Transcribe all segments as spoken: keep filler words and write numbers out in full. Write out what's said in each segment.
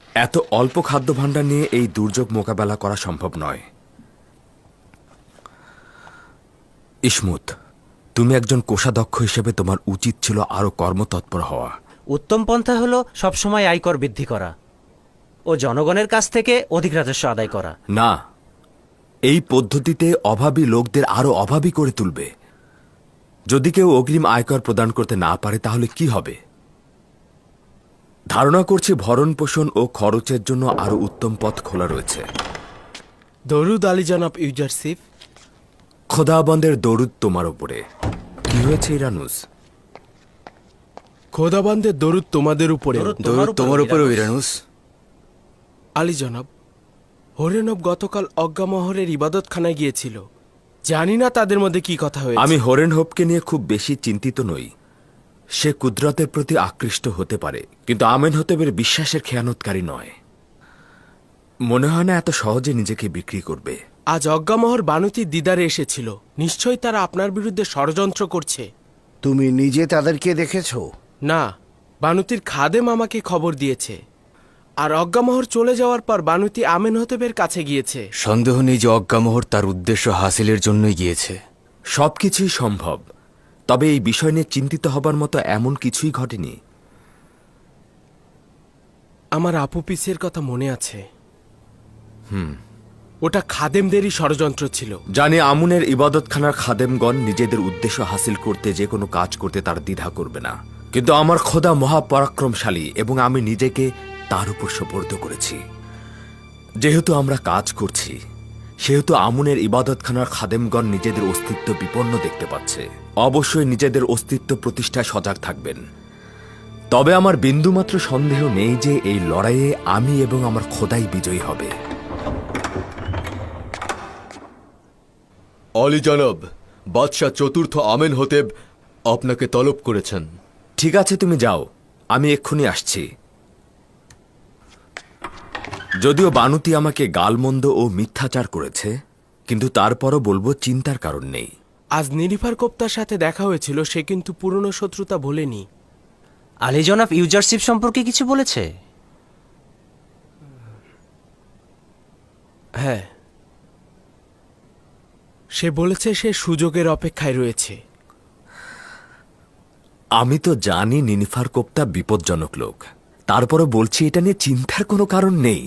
এত অল্প খাদ্য ভাণ্ডার নিয়ে এই দুর্যোগ মোকাবেলা করা সম্ভব নয়। ইসমুত, তুমি একজন কোষাধ্যক্ষ হিসেবে তোমার উচিত ছিল আরো কর্মতৎপর হওয়া। উত্তম পন্থা হলো সবসময় আয়কর বৃদ্ধি করা ও জনগণের কাছ থেকে অধিক রাজস্ব আদায় করা। না, এই পদ্ধতিতে অভাবী লোকদের আরো অভাবী করে তুলবে। যদি কেউ অগ্রিম আয়কর প্রদান করতে না পারে তাহলে কি হবে? ধারণা করছি ভরণ পোষণ ও খরচের জন্য আরো উত্তম পথ খোলা রয়েছে। দরুদ আলী জনাব ইউজারশিপ। খোদাবন্দের দরুদ তোমার উপরে। কি হয়েছে ইরানুস? খোদাবন্দের দরুদ তোমাদের উপরে। দরুদ তোমার উপরেও ইরানুস। আলী জনাব, হরেনব গতকাল অজ্ঞামহরের ইবাদতখানায় গিয়েছিল। জানি না তাদের মধ্যে কি কথা হয়েছে। আমি হরেন হোপকে নিয়ে খুব বেশি চিন্তিত নই। সে কুদরতের প্রতি আকৃষ্ট হতে পারে, কিন্তু আমেনহতেবের বিশ্বাসের খেয়ানতকারী নয়। মনে হয় না এত সহজে নিজেকে বিক্রি করবে। আজ অজ্ঞামহর বানুতির দিদারে এসেছিল। নিশ্চয়ই তারা আপনার বিরুদ্ধে ষড়যন্ত্র করছে। তুমি নিজে তাদেরকে দেখেছ? না, বানুতির খাদেম আমাকে খবর দিয়েছে। আর অজ্ঞামহর চলে যাওয়ার পর বানুতি আমেনহতেবের কাছে গিয়েছে। সন্দেহ নেই যে অজ্ঞামোহর তার উদ্দেশ্য হাসিলের জন্যই গিয়েছে। সবকিছুই সম্ভব, তবে এই বিষয় নিয়ে চিন্তিত হবার মতো এমন কিছুই ঘটেনি। আমার আপু পিসের কথা মনে আছে। হুম, ওটা খাদেমদেরই ষড়যন্ত্র ছিল। জানি আমুনের ইবাদতখানার খাদেমগণ নিজেদের উদ্দেশ্য হাসিল করতে যে কোনো কাজ করতে তার দ্বিধা করবে না, কিন্তু আমার খোদা মহাপরাক্রমশালী এবং আমি নিজেকে তার উপর সোপর্দ করেছি। যেহেতু আমরা কাজ করছি, সেহেতু আমুনের ইবাদতখানার খাদেমগণ নিজেদের অস্তিত্ব বিপন্ন দেখতে পাচ্ছে। অবশ্যই নিজেদের অস্তিত্ব প্রতিষ্ঠায় সজাগ থাকবেন। তবে আমার বিন্দুমাত্র সন্দেহ নেই যে এই লড়াইয়ে আমি এবং আমার খোদাই বিজয়ী হবে। অলি জনাব, বাদশাহ চতুর্থ আমেনহতেব আপনাকে তলব করেছেন। ঠিক আছে, তুমি যাও, আমি এক্ষুনি আসছি। যদিও বানুতি আমাকে গালমন্দ ও মিথ্যাচার করেছে, কিন্তু তারপরও বলবো চিন্তার কারণ নেই। আজ নিরিফার কোপ্তার সাথে দেখা হয়েছিল। সে কিন্তু পুরনো শত্রুতা ভোলেনি। আলী জনাব ইউজারশিপ সম্পর্কে কিছু বলেছে? হ্যাঁ, সে বলেছে সে সুযোগের অপেক্ষায় রয়েছে। আমি তো জানি নিনিফার কোপ্তা বিপজ্জনক লোক, তারপরও বলছি এটা নিয়ে চিন্তার কোনো কারণ নেই।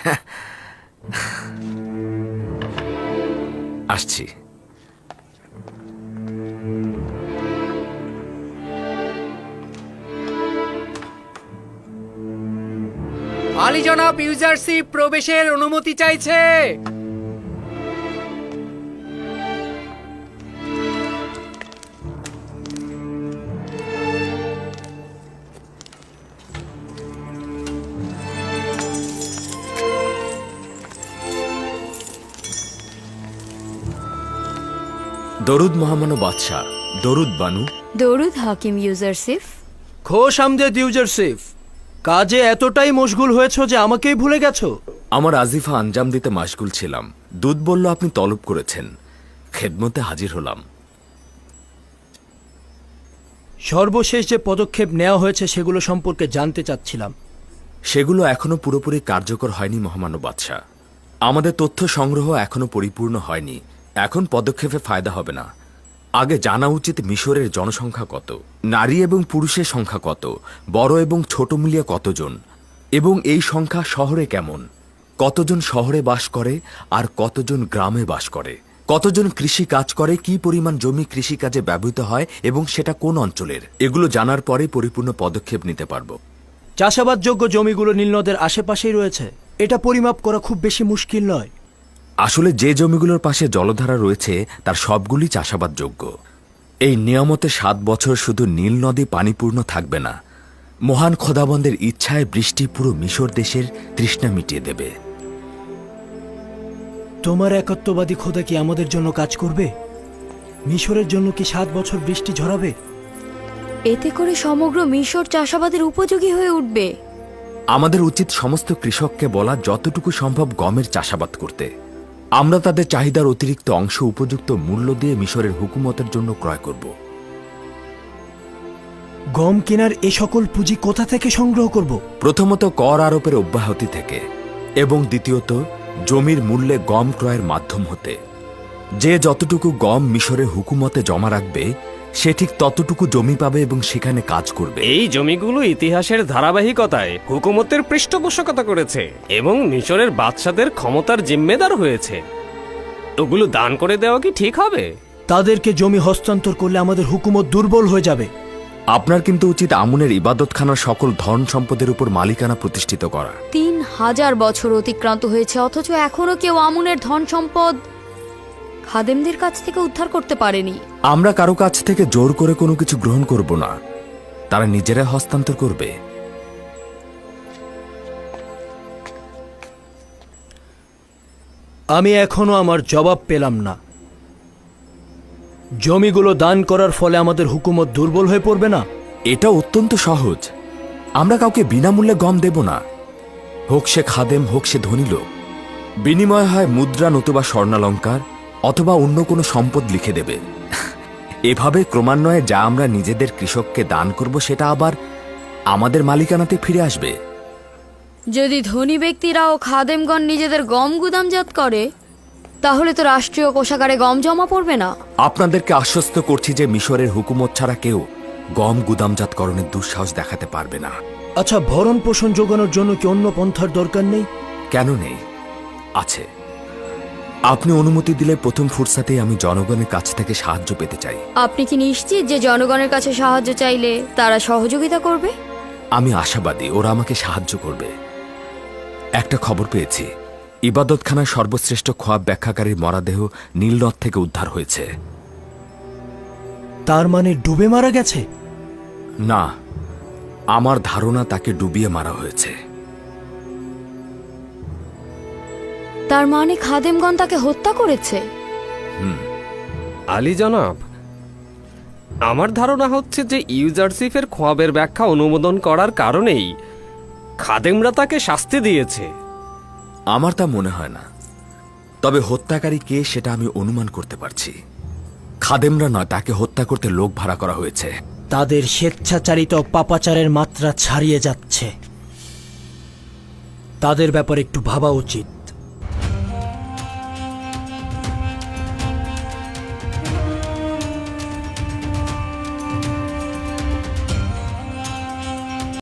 আসছি। আলী জনাব ইউজারশিপ প্রবেশের অনুমতি চাইছে। দরুদ মহামানব বাদশাহ। দরুদ বানু। দরুদ হাকিম ইউজারশিপ। খোশ আমদেদ ইউজারশিপ, কাজে এতটাই মশগুল হয়েছ যে আমাকেই ভুলে গেছো। আমার আজিফা আঞ্জাম দিতে মাশগুল ছিলাম। দুধ বলল আপনি তলব করেছেন, খেদমতে হাজির হলাম। সর্বশেষ যে পদক্ষেপ নেওয়া হয়েছে সেগুলো সম্পর্কে জানতে চাচ্ছিলাম। সেগুলো এখনো পুরোপুরি কার্যকর হয়নি মহামানব বাদশাহ। আমাদের তথ্য সংগ্রহ এখনো পরিপূর্ণ হয়নি। এখন পদক্ষেপে ফায়দা হবে না। আগে জানা উচিত মিশরের জনসংখ্যা কত, নারী এবং পুরুষের সংখ্যা কত, বড় এবং ছোট মিলিয়ে কতজন, এবং এই সংখ্যা শহরে কেমন, কতজন শহরে বাস করে আর কতজন গ্রামে বাস করে, কতজন কৃষি কাজ করে, কি পরিমাণ জমি কৃষিকাজে ব্যবহৃত হয় এবং সেটা কোন অঞ্চলের। এগুলো জানার পরে পরিপূর্ণ পদক্ষেপ নিতে পারবো। চাষাবাদযোগ্য জমিগুলো নীলনদের আশেপাশেই রয়েছে। এটা পরিমাপ করা খুব বেশি মুশকিল নয়। আসলে যে জমিগুলোর পাশে জলধারা রয়েছে তার সবগুলি চাষাবাদযোগ্য। এই নিয়ামতে সাত বছর শুধু নীল নদী পানিপূর্ণ থাকবে না, মহান খোদাবন্দের ইচ্ছায় বৃষ্টি পুরো মিশর দেশের তৃষ্ণা মিটিয়ে দেবে। তোমার একত্ববাদী খোদা কি আমাদের জন্য কাজ করবে? মিশরের জন্য কি সাত বছর বৃষ্টি ঝরাবে? এতে করে সমগ্র মিশর চাষাবাদের উপযোগী হয়ে উঠবে। আমাদের উচিত সমস্ত কৃষককে বলা যতটুকু সম্ভব গমের চাষাবাদ করতে। আমরা তাদের চাহিদার অতিরিক্ত অংশ উপযুক্ত মূল্য দিয়ে মিশরের হুকুমতের জন্য ক্রয় করব। গম কেনার এ সকল পুঁজি কোথা থেকে সংগ্রহ করব? প্রথমত কর আরোপের অব্যাহতি থেকে এবং দ্বিতীয়ত জমির মূল্যে গম ক্রয়ের মাধ্যম হতে। যে যতটুকু গম মিশরের হুকুমতে জমা রাখবে সে ঠিক ততটুকু জমি পাবে এবং সেখানে কাজ করবে। এই জমিগুলো ইতিহাসের ধারাবাহিকতায় হুকুমতের পৃষ্ঠপোষকতা করেছে এবং মিশরের বাদশাদের ক্ষমতার জিম্মেদার হয়েছে। ওগুলো দান করে দেওয়া কি ঠিক হবে? তাদেরকে জমি হস্তান্তর করলে আমাদের হুকুমত দুর্বল হয়ে যাবে। আপনার কিন্তু উচিত আমুনের ইবাদতখানার সকল ধন সম্পদের উপর মালিকানা প্রতিষ্ঠিত করা। তিন হাজার বছর অতিক্রান্ত হয়েছে, অথচ এখনো কেউ আমুনের ধন সম্পদ খাদেমদের কাছ থেকে উদ্ধার করতে পারেনি। আমরা কারো কাছ থেকে জোর করে কোনো কিছু গ্রহণ করব না, তারা নিজেরা হস্তান্তর করবে। আমি এখনো আমার জবাব পেলাম না। জমিগুলো দান করার ফলে আমাদের হুকুমত দুর্বল হয়ে পড়বে না? এটা অত্যন্ত সহজ। আমরা কাউকে বিনামূল্যে গম দেব না, হোক সে খাদেম হোক সে ধনী লোক। বিনিময় হয় মুদ্রা নতুবা স্বর্ণালঙ্কার অথবা অন্য কোনো সম্পদ লিখে দেবে। এভাবে ক্রমান্বয়ে যা আমরা নিজেদের কৃষককে দান করব সেটা আবার আমাদের মালিকানাতে ফিরে আসবে। যদি ধনী ব্যক্তিরা ও খাদেমগণ নিজেদের গম গুদামজাত করে, তাহলে তো রাষ্ট্রীয় কোষাগারে গম জমা পড়বে না। আপনাদেরকে আশ্বস্ত করছি যে মিশরের হুকুমত ছাড়া কেউ গম গুদামজাতকরণের দুঃসাহস দেখাতে পারবে না। আচ্ছা, ভরণ পোষণ যোগানোর জন্য কি অন্য পন্থার দরকার নেই? কেন নেই? আছে। আপনি অনুমতি দিলে প্রথম ফুরসাতেই আমি জনগণের কাছ থেকে সাহায্য পেতে চাই। আপনি কি নিশ্চিত যে জনগণের কাছে সাহায্য চাইলে তারা সহযোগিতা করবে? আমি আশাবাদী ওরা আমাকে সাহায্য করবে। একটা খবর পেয়েছি, ইবাদতখানার সর্বশ্রেষ্ঠ খোয়াব ব্যাখ্যাকারীর মরাদেহ নীলনদ থেকে উদ্ধার হয়েছে। তার মানে ডুবে মারা গেছে? না, আমার ধারণা তাকে ডুবিয়ে মারা হয়েছে। তার মানে খাদেমগণ তাকে হত্যা করেছে? আলী জনাব, আমার ধারণা হচ্ছে যে ইউজারসিফের খোয়াবের ব্যাখ্যা অনুমোদন করার কারণেই খাদেমরা তাকে শাস্তি দিয়েছে। আমার তা মনে হয় না, তবে হত্যাকারী কে সেটা আমি অনুমান করতে পারছি। খাদেমরা নয়, তাকে হত্যা করতে লোক ভাড়া করা হয়েছে। তাদের স্বেচ্ছাচারিত পাপাচারের মাত্রা ছাড়িয়ে যাচ্ছে। তাদের ব্যাপারে একটু ভাবা উচিত।